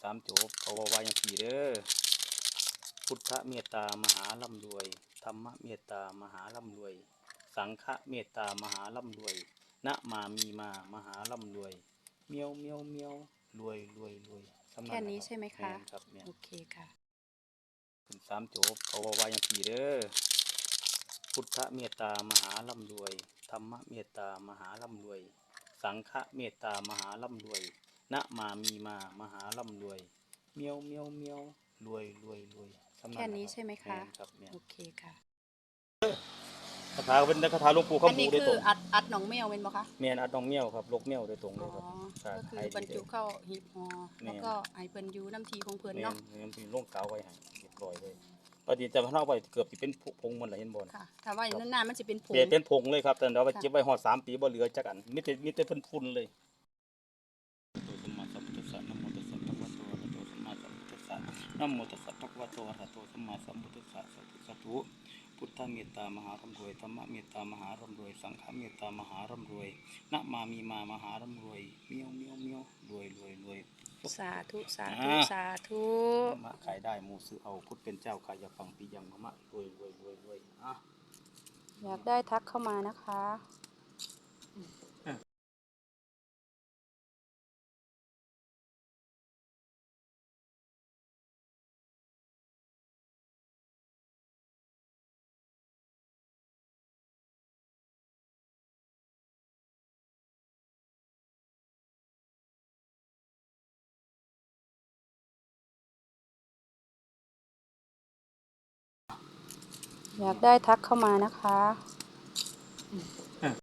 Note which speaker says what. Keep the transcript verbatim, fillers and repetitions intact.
Speaker 1: สามจบเขาว่าว่าอย่างสี่เด้อพุทธเมตตามหาร่ำรวยธรรมเมตตามหาร่ำรวย สังฆเมตตามหาร่ำรวยนะมามีมามหาร่ำรวยเมียวเมียวเมียวรวยรวยรวย
Speaker 2: แค่นี้ใช่ไหมคะ
Speaker 1: แม่นครับแม่น
Speaker 2: โอเคค่ะ
Speaker 1: ขึ้นสามจบเขาว่าว่าอย่างสี่เด้อพุทธเมตตามหาร่ำรวยธรรมเมตตามหาร่ำรวย สังฆเมตตามหาร่ำรวยนะมามีมามหาร่ำรวยเมียวเมียวเมียวรวยรวยรวย
Speaker 2: แค่นี้ใช่ไหมคะ
Speaker 1: แม่นครับแม่น
Speaker 2: โอเคค่ะ
Speaker 1: คาถาเป็นคาถาหลวงปู่
Speaker 2: อัน
Speaker 1: คำบู
Speaker 2: นี้
Speaker 1: โดย
Speaker 2: คื
Speaker 1: ต
Speaker 2: อ
Speaker 1: รง
Speaker 2: อัดอัดหนองแมวเป็นปะคะ
Speaker 1: แม่นอัดน้องเมียวครับลกเมียวโดยตรงเล
Speaker 2: อ๋
Speaker 1: ย
Speaker 2: อ
Speaker 1: ครับ
Speaker 2: ก็คือบรรจุเข้าหีบห่อ
Speaker 1: แม่น
Speaker 2: แล้วก็ไอเพิ่นอยูน้ำทีของเพิ่น
Speaker 1: แม่น
Speaker 2: เนาะ
Speaker 1: แม่นเป็นโรงกาวไว้ให้เรียบร้อยเลยปฏิจะพาไว้เกือบสิเป็นผงหมดแล้วเห็นบ่
Speaker 2: ค่ะ ถ้าว่าอย่างนั้นนานมันจะเป็นผง
Speaker 1: เปลี่ยนเป็นผงเลยครับแต่เราไป
Speaker 2: ค่ะ
Speaker 1: เก็บไว้ฮอดสามปีบ่เหลือจักอันมีแต่มีแต่ฝุ่นๆเลยนะโมตัสสะภะคะวะโตอะระหะโตสัมมาสัมพุทธัสสะนะโมตัสสะภะคะวะโตอะระหะโตสัมมาสัมพุทธัสสะสาธุสาธุพุทธเมตตามหาร่ำรวยธรรมเมตตามหาร่ำรวยสังฆเมตตามหาร่ำรวยนะมามีมามหาร่ำรวยเมียวเมียวเมียวรวยรวยรวย
Speaker 2: สาธุ สาธุ
Speaker 1: อ่า
Speaker 2: สาธุ
Speaker 1: มะขายได้หมูซื้อเอาพุทธเป็นเจ้าขายยาฟังปียังมะมะรวยรวยรวยรวยอ่ะ
Speaker 2: อยากได้ทักเข้ามานะคะ อยากได้ทักเข้ามานะคะ